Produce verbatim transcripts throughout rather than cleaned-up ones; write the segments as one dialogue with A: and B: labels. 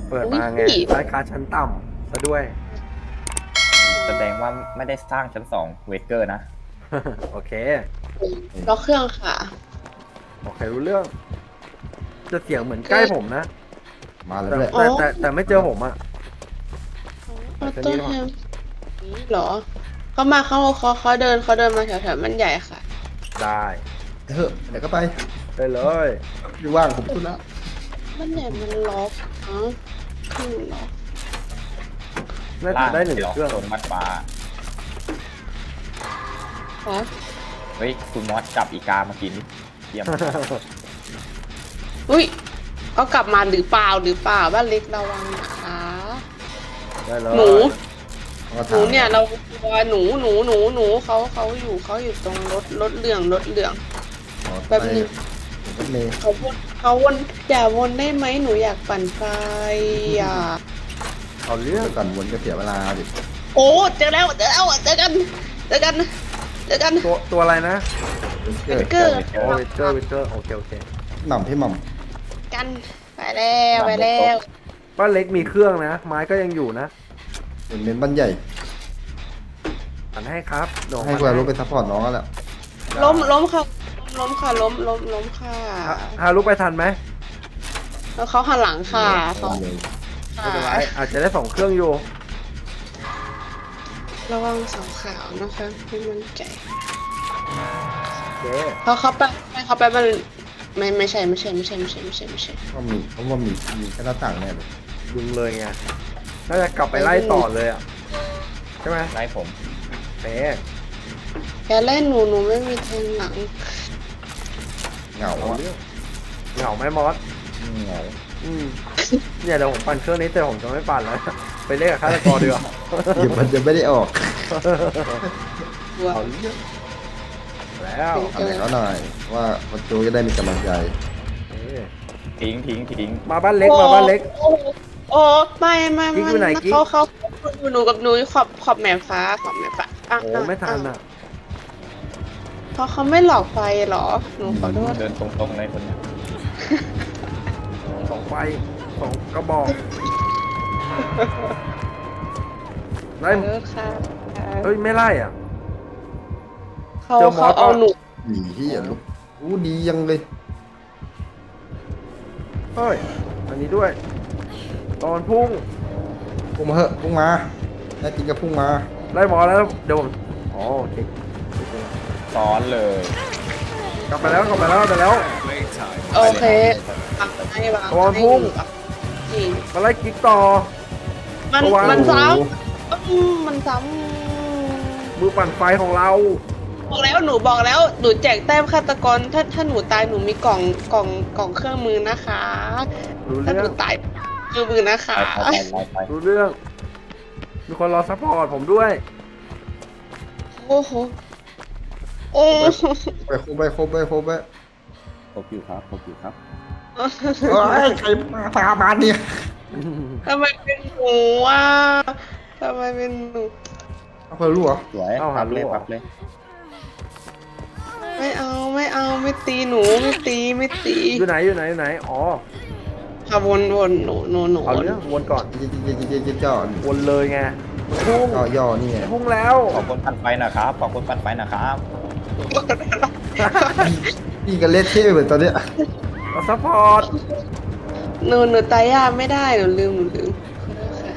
A: เปิดมาไงรายการชั้นต่ำซะด้วย
B: แสดงว่าไม่ได้สร้างชั้นสองเวเกอร์นะ
A: โอเค
C: ล็อกเครื่องค่ะ
A: โอเครู้เรื่อง จะเสียงเหมือนใกล้ผมนะ
D: มาแล้ว
A: แต่
D: ด้วย
C: อ๋อ
A: แต่แต่แต่ไม่เจอผมอะ
C: ออโต้แฮมนี่เหรอ เขามาเขาเขาเขาเดินเขาเดินมาแถวๆมันใหญ่ค่ะ
A: ได้
D: เฮ้ยเดี๋ยวก็ไป
A: ได้เลย
D: อยู่ว่างผมพูดแล้ว
C: มันใหญ่มันล็อกอ๋อเครื่องล็อก
A: น่าจะได้หนึ่งเครื่อง
B: โซนมัดฟ้า
C: ฮะ
B: เฮ้ยคุณมอสจับอีกามากินดิเยี่ยม
C: อุ้ยเขากลับมาหรือเปล่าหรือเปล่าบ้านเล็กระวังนะคะ
A: ได้เลย
C: หนู
D: เขาก็
C: ห
D: ถา
C: นู
D: ม
C: เนี่ยเราตัวหนูหนูหนูหนูเขาเขาอยู่เขาอยู่ตรงรถรถเหลืองรถเหลือง
D: อ๋อ
C: แป๊บนึง
D: รถเมย์
C: เขาวนเขาวนอย่าวนได้ไหมหนูอยากปั่นไฟอ่ะ
A: เอาเรื่อง
D: เดี๋ยวก่อนวนก็เสียเวลาดิ
C: โอ้เจอแล้วเจอแล้วเจอกันเจอกันเจอกัน
A: ตัวตัวอะไรนะ
D: เกิด
C: เกอร์
A: โอ้วิเตอร์วิเตอร์โอเคโอเค
D: หม่ำพี่หม่
C: กันไปแล้วไปแล้ว
A: บ้านเล็กมีเครื่องนะ ไม้ก็ยังอยู่นะ
D: ำเป็นเมนบ้านใหญ่
A: อันให้ครับเดี๋ยว
D: ให้คุณรู้ไปซัพพอร์ตน้องแล้วแหละ
C: ล้มล้มค่ะล้มค่ะล้มล้มล้มค่ะ
A: ฮะฮารุไปทันไหม
C: แล้วเขาหันหลังค่ะเขา
D: เลย
A: ไม่เป็นไรอาจจะได้สองเครื่องอยู่
C: ระวังเสาขาวนะคะไม่มั่นใจ
A: โอเค
C: เขาเขาไปเขาไปมันไม่ไม่ใช่ไม่ใช่ไม่ใช่ไม่ใช่ไม่ใช่ไม่ใช่
D: ก็มีเพราะว่ามีมีแค่หน้าต่างแน่เลย
A: ยิงเลยไงน่าจะกลับไปไล่ต่อเลยอ่ะใช่ไหม
B: ไล่ผม
A: เป๊
C: แกเล่นหนูหนูไม่มีแทงหลัง
D: เหงา
A: เอา
D: อ่ะ
A: เรื่องเหงาไหมมอส
B: เหงา
A: อืมเนี่ยเดี๋ยวผมปั่นเครื่องนี้แต่ผมจะไม่ปั่นแล้ว ไปเล่นกับฆาตกรดีกว่า
D: เดี๋ยวมันจะไม่ได้ออก
C: ตัว
A: เอาเรื่องแล้ว
D: ทำให้เขาหน่อย ว่าประตูจะได้มีกำลังใจ
A: เอ๊ะ
B: ทิ้งทิ้งทิ้ง
A: มาบ้านเล็กมาบ้านเล็ก
C: โอ้โอ้ไม่ไม่
A: กิ๊กอยู่ไหนกิ๊ก
C: เขาเขาหนูกับหนูขอบขอบแหม่ฟ้าขอบแหม่ฟ้าะ
A: โอ้ไม่ทันอ่ะ
C: เพราะเขาไม่หลอกไฟเหรอหนูขอโทษ
B: เดินตรงๆเลยคนเนี้ย
A: สองไฟสองกระบอกไล่
C: ขอโทษค่ะ
A: เฮ้ยไม่ไล่อ่ะ
C: เขา
A: เจอหมอ
C: เขาเอา
A: ก่อน
C: หนู
D: หนีที่อย่าลุกอู้ดียังเลย
A: เฮ้ยอันนี้ด้วย ตอนพุ่ง
D: พุ่งมาเหอะพุ่งมาแน่จริงก็พุ่งมา
A: ไล่หมอแล้วเดี๋ยวผมอ๋อโอเค
B: ซ้อนเลย
A: กลับไปแล้วกลับไปแล้วกลับไปแล้ว
C: โอเคปักให้วาง
A: ตอนพุ่ง
C: จริง
A: มาไล่กิ๊กต่อ
C: มัน
A: ระวัง
C: มันซ้
D: โอ้โห
C: ำอืมมันซ้
A: มือปั่นไฟของเรา
C: ำบอกแล้วหนูบอกแล้วหนูแจกแต้มฆาตกรถ้าถ้าหนูตายหนูมีกล่องกล่องกล่องเครื่องมือนะคะ
A: รู้
C: ถ้า
A: เรื่
C: ห
A: อ
C: นู
A: ง
C: ตายเครื่องมือนะคะ
B: ไปไปไปไป
A: รู้เรื่อง มีคนรอซัพพอร์ตผมด้วย
C: โอ้โหโอ้โห
D: ไปโคบไปโคบไปโคบไป
B: ครบอยู่ครับครบอยู่ครับ
D: เอ้ยใครมาตามมาเนี่ย
C: ทำไมเป็นหนูอ่ะทำไมเป็นหนู
D: เอาเพิ่มรู้เหรอ
B: สวย
A: เอาหา
B: พับเลย
A: ลูก
B: พับเลย
C: ไม่เอาไม่เอาไม่ตีหนูไม่ตีไม่ตี
A: อยู่ไหนอยู่ไหนอยู่ไหน อ๋อ
C: ค่ะวนวนหนูหนูหนู
A: เอาเรื่องวนก่อน
D: เจ๊เจ๊เจ๊เจ๊เจ๊เจ้า
A: วนเลยไงพุ่ง
D: ก็ย่อนี่ไง
A: พุ่งแล้ว
B: ขอบคนปั่นไฟนะครับขอบคนปั่นไฟนะครับ
D: นี่กันเละเทะเหมือนตอนเนี้ย
A: รอซัพพอร์ต
C: หนูหนูตายยากไม่ได้หนูลืมหนูลืมขอโทษค่ะ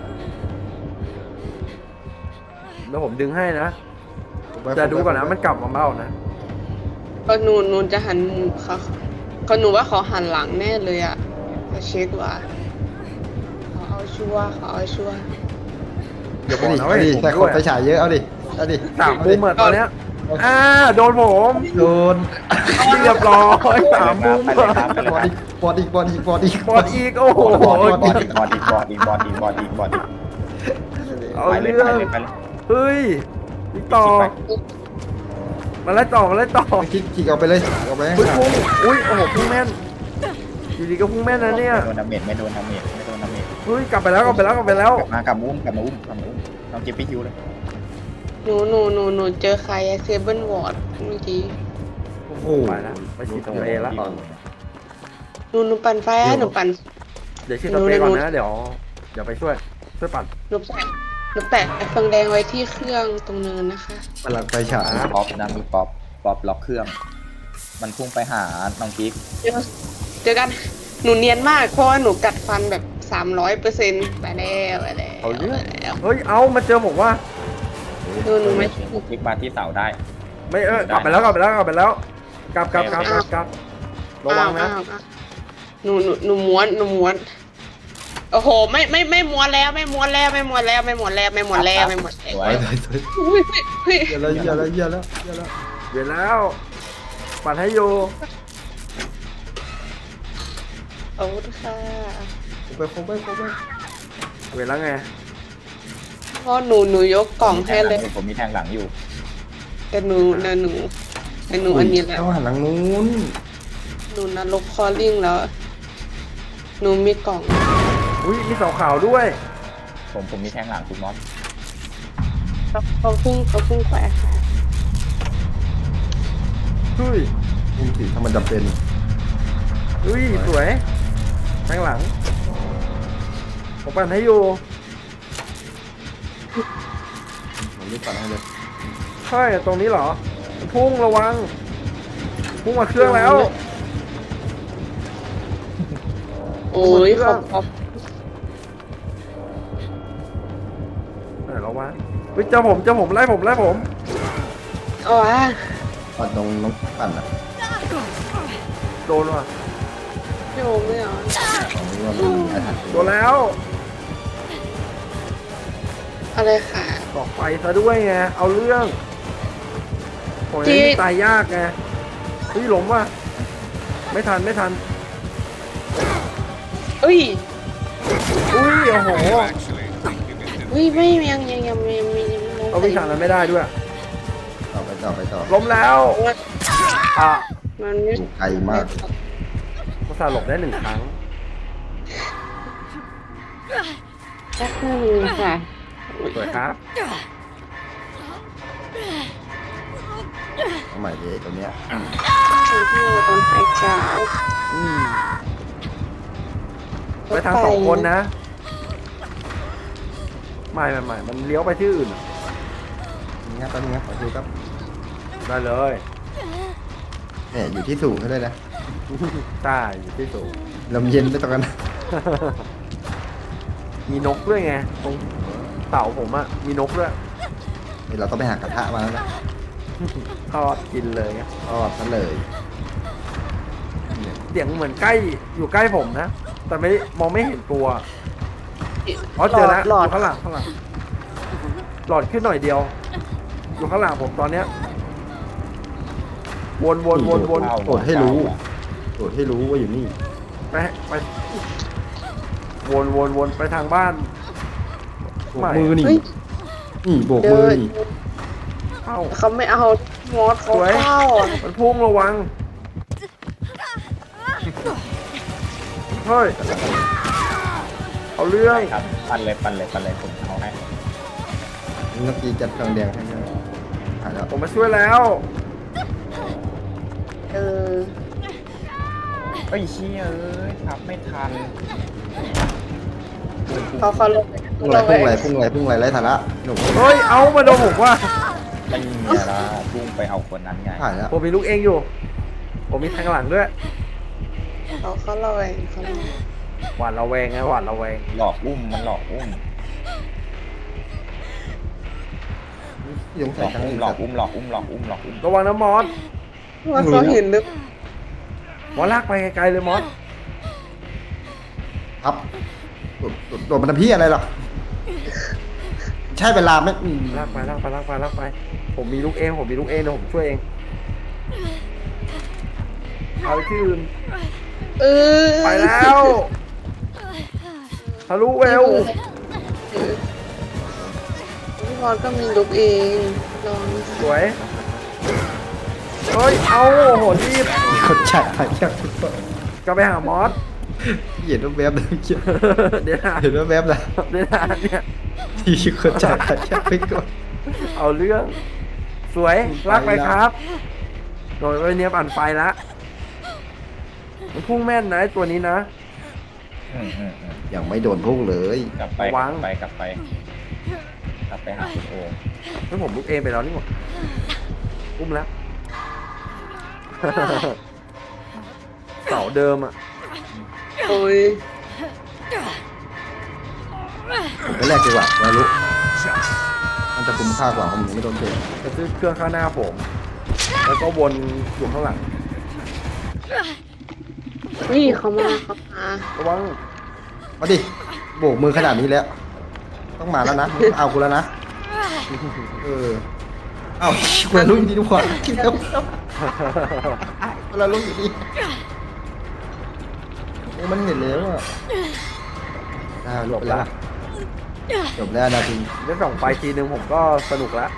A: เดี๋ยวผมดึงให้นะ จะดูก่อนนะมันกลับมาเบ้านะ
C: ก็หนูหนูจะหันเขาก็หนูว่าเขาหันหลังแน่เลยอ่ะจะเช็คว่าเขาเอาชัวร์เขาเอาชัวร์
A: เดี๋ยวบ
D: เอา
A: อก
D: ดิ
A: นะ
D: เอา
A: ว่า
D: ดิ
A: เห็นผม
D: แต่ค
A: ด้วน ย
D: ไปฉายเยอะเอาดิเอาดิ
A: สามมุมอะตอนเนี้ยอ่าโดนผม
D: โดน
A: เรียบร้อยสามมุม
B: ไปเลยครับไปเลย
D: บอ
B: ค
D: ด
B: รับ
D: อีกบอดอีกบอดอีกบอดอีก
A: บอดอีกโอ้โห
B: บอดอีกบอดอีกบอดอีกบอดอีกบอดอีกบอดอีกบอดอีก
A: เอา
B: ไปเลย
A: เรื่
B: ไป
A: อง
B: เลยไปเลย
A: เฮ้ยพี่ต่อมาไล่ต่อมาไล่ต่อ
D: คลิกคลิกเอาไปเลยเอาไปให้
A: พุ่ง
D: ห่าง
A: พุ่งอุ้ยโอ้โหพุ่งแม่นอยู่ดีก็พุ่งแม่นนะเนี่ย
B: ไม่โดนดาเมจไม่โดนดาเมจไม่โดนดาเมจ
A: เฮ้ยกลับไปแล้วกลับไปแล้วกลับไปแล้ว
B: กลับมากลับมาอุ้มกลับมาอุ้มกลับมาอุ้มน้องเจปี้ฮิวเลย
C: หนูหนูหนูหนูเจอใครเซเบิลวอร์ดเมื่อกี้
A: โอ้โหไปแล้วไปฉีดตัวเอแล้ว
C: หนูหนูปั่นไฟให้หนูปั่น
A: เดี๋ยวฉีดสเปรย์ก่อนนะเดี๋ยวเดี๋ยวไปช่วยช่วยปัด
C: หนูแปะหนูแปะเฟืองแดงไว้ที่เครื่องตรงเนินนะคะ
D: พลังไฟฉาย
B: มีป๊อปนะมีป๊อปป๊อปล็อกเครื่อง มันพุ่งไปหาน้องกิ๊ก
C: เจอเจอกันหนูเนียนมากเพราะว่าหนูกัดฟันแบบสามร้อยเปอร์เซ็นต์ไปแล้วไปแล้ว
A: เอาเรื่อง
C: ไปแล้ว
A: เฮ้ยเอามาเจอผมว่า
C: หนูหนูไม่
B: น้องกิ๊กมาที่เสาได้
A: ไม่เออกลับไปแล้วกลับไปแล้วกลับไปแล้วกลับกลับกลับกลับกลับระวังนะ
C: อ้าวอ้าวหนูหนูหนูม้วนหนูม้วนโอ้โหไม่ไม่ไม่ม้วนแล้วไม่ม้วนแล้วไม่ม้วนแล้วไม่ม้วนแล้วไม่ม้วนแล้วไม่ม้วนแล้ว
B: สว
D: ไป
B: ย
D: ไปไป
C: อุ้ยเฮ้ย
D: เยอะแล้วเยอะแล้วเยอะแล้วเยอะแล้ว
A: เดี๋ยวแล้วปัดให้อยู่
C: โอ้ค่ะ
D: คงไปคงไปคงไป
A: เวลาไง
C: พ่อหนูหนูยกกล่องให้เลย
B: ผมมีแทงหลังอยู่
C: แต่หนูนะหนูแต่หนูอันนี้แหละ
D: ต้องหันหลังนู้น
C: หนูนรกคอลลิ่งแล้ว หนูมีกล่อง
A: อุ้ยมีเสาขาวด้วย
B: ผมผมมีแทงหลังคุณมอส
C: เขาเขาพุ่งเขาพุ่งแขวะ
A: เฮ้ย
D: พุ่งสิถ้ามันจำเป็น
A: เฮ้ยสวยข้างหลังผมปั่นให้อยู่
D: ผมรีบปั่นให้เลย
A: ใช่ตรงนี้เหรอพุ่งระวังพุ่งมาเครื่องแล้ว
C: โอ้ยขอบขอบ
A: ไหนแล้ววะเฮ้ยเจอผมเจอผมไล่ผมไล่ผม
C: อ๋อ
D: ปั่นตรงน้องปั่นอ่ะ
A: โดนว่ะ
C: ไม่โอ้ไม่เอา
D: ของนี้ว่ามันมีอาถรรพ์
A: โดนแล้ว
C: อะไรค่ะ
A: ตอกไฟซะด้วยไงเอาเรื่องโอ้ย
C: จริง
A: นี่ตายยากไงเฮ้ยหลงว่ะไม่ทันไม่ทัน
C: เอ้ย
A: อุ้ยโอ้โห
C: อุ้ยไม่ยังยังยังไม่ยังไม่ยังไม่
A: เอาวิชานั้นไม่ได้ด้วย
D: ต่อไปต่อไปต่อ
A: ล้มแล้วอ่ะ
C: มันไม่
D: อยู่ไกลมาก
A: ภาษาห์หลบได้หนึ่งครั้ง
C: แค่หนึ่งค่ะ
A: สวยครับ
D: เอาใหม่ดิตัวเนี้ย
C: ถึงที่เราตอนหายใจ
A: อืมไปทางสองคนนะไม่ไม่ไม่มันเลี้ยวไปที่อื่น
D: นี่ครับแป๊บนึงนะขอดูครับ
A: ได้เลย
D: เนี่ยอยู่ที่สูงก็ได้นะ
A: ใช่อยู่ที่สูง
D: ลมเย็นไม่ต้องกัน
A: มีนกด้วยไงตรงเต่าผมอะมีนกด้วย
D: เดี๋ยวเราต้องไปหากระทะมาแล้วนะ
A: ทอดกินเลยไง
D: ทอดซะเลยเนี่ย
A: เสียงเหมือนใกล้อยู่ใกล้ผมนะ แต่ไม่มองไม่เห็นตัวอ๋อเจอแล้ว
C: หลอ
A: อ
C: ด
A: ยู่ข้างหลังข้างหลังหลอดขึ้นหน่อยเดียว อยู่ข้างหลังผมตอนเนี้ยวนวนวนวน
D: โปรดให้รู้โปรดให้รู้ว่าอยู่นี่
A: ไปไปวนวนวนไปทางบ้าน
D: โบกมือนี่
C: เฮ้ย
D: นี่โบก
C: เดิ
D: มือน นี่
A: เอ้า
C: เขาไม่เอามอสเขา
A: สวย
C: เข้า
A: มันพุ่งระวังเฮ้ยเอาเรื่อง
B: ครับปันเลยปันเลยปันเลยผมเอาให้
D: เมื่อกี้จัดเครื่องแดงให้ด้วยหายแล้ว
A: ผมมาช่วยแล้ว
C: เออ
B: เอ้ยเชี่ยเอ้ยทับไม่ทัน
C: เขาเขาลง
D: พุ่งไรพุ่งไรพุ่งไรพุ่งไรไรสาระหนุ่ม
A: เฮ้ยเอามาโดนผมว่า
B: ไม่มีละพุ่งไปเอาคนนั้นไง
D: หายแล้ว
A: ผมมีลูกเองอยู่ ผมมีทางหลังด้วย
C: เขาเขาลอยเขาลอย
A: หวาดระแวงไงหวาดระแวง
B: หลอกอุ้มมันหลอกอุ้ม
D: ยัง
B: หล
D: ใส่
B: อก
D: ทั้ง
B: อุ้ม
D: อื่น
B: หลอกอุ้มหลอกอุ้มหลอกอุ้มหลอกอุ้ม
A: ระวังนะมอส
C: ว่าเขาเห็นหรือ
A: มอสลากไปไกลๆเลยมอส
D: ครับโดดมันทำพี่อะไรหรอใช่เวลาไหมอืม
A: ลากไปลากไปลากไปลากไป ผมมีลูกเองผมมีลูกเองเดี๋ยวผมช่วยเองเอาไปที่อื่น
C: เออ
A: ไปแล้วทะลุเวล
C: พี่พอดก็มีลุกเองลอง
A: สวยเฮ้ยเอาโอ้โหรีบ
D: มีคนจ่ายไปยัง
A: ก็ไปหามอส
D: เห็นว่าแวบเลยเมื่อกี้
A: เดี๋ยวนะ
D: เห็นว่าแวบเลย
A: เดี๋ยวนะเนี่ย
D: ที่คนจ่ายไปยังไปก่อน
A: เอาเรื่อง สวยลากไปครับโดยวันนี้ปั่นไฟละมันพุ่งแม่นนะไอ้ตัวนี้นะ
B: อืมอืมอืม
D: ยังไม่โดนพุ่งเลย
B: กลับไปกลับไปกลับไปกลับไปหาคุณโอ
A: ไม่ผมลุกเองไปแล้วนี่หว่าอุ้มแล้ว เสาเดิมอ่ะ
C: โอ้ย
D: ผมไปแรกดีกว่าไม่รู้มันจะคุ้มค่ากว่าผมยังไม่โดนเตะ
A: จะซื้อเครื่องข้างหน้าผม แล้วก็วนอยู่ข้างหลัง
C: นี่เขามาเขามา
A: ระวัง
D: มาดิโบกมือขนาดนี้แล้ว ต้องมาแล้วนะมึงเอากูแล้วนะเออเอาคนละรุ่นดีทุกคนคิดแล้วคนละรุ่นอยู่ดีโอ้มันเห็นแล้วอ่ะอ่าหลบแล้วล่ะจบแล้วนะที
A: ได้ส่องไปทีนึงผมก็สนุกแล้ว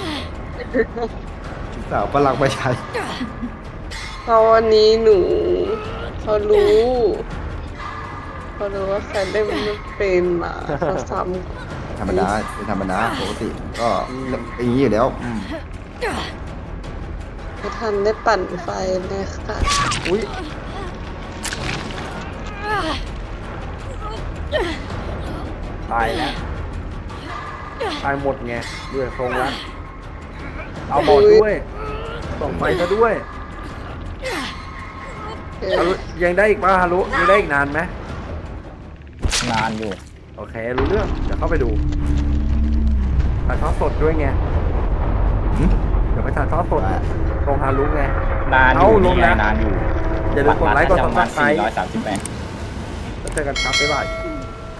D: สาวพลังประชา
C: เพราะวันนี้หนูเขารู้เขารู้ว่าใครได้ไม่เป็นมาเขาซ้
D: ธรรมดาเป็นธรรมดาปกติก็อย่างนี้อยู่แล้วอืม
C: ำไม่ทันได้ปั่นไฟเลยค่ะ
A: อุ้ยตายแล้ว ตายหมดไงด้วยทรงแล้ว เอาบอดด้วยส่องไฟซะด้วย
C: เอ
A: ฮา
C: อ
A: รุยังได้อีกป่ะฮารุยังได้อีกนานไหม
B: นานอยู่
A: โอเค รู้เรื่อง เดี๋ยวเข้าไปดูถ่ายทอดสดด้วยไง
D: หืม
A: เดี๋ยวไปถ่ายทอดสดตรงฮารุไง
B: นานอยู่
A: เอาล
B: นี่
A: ง
B: ไง
A: นะ
B: นานอยู่
A: อย่าลืมกดไลค์กด
B: ประมาณ
A: Subscribe
B: สี่ร้อยสามสิบแปด
A: แล้วเจอกันครับบ๊ายบาย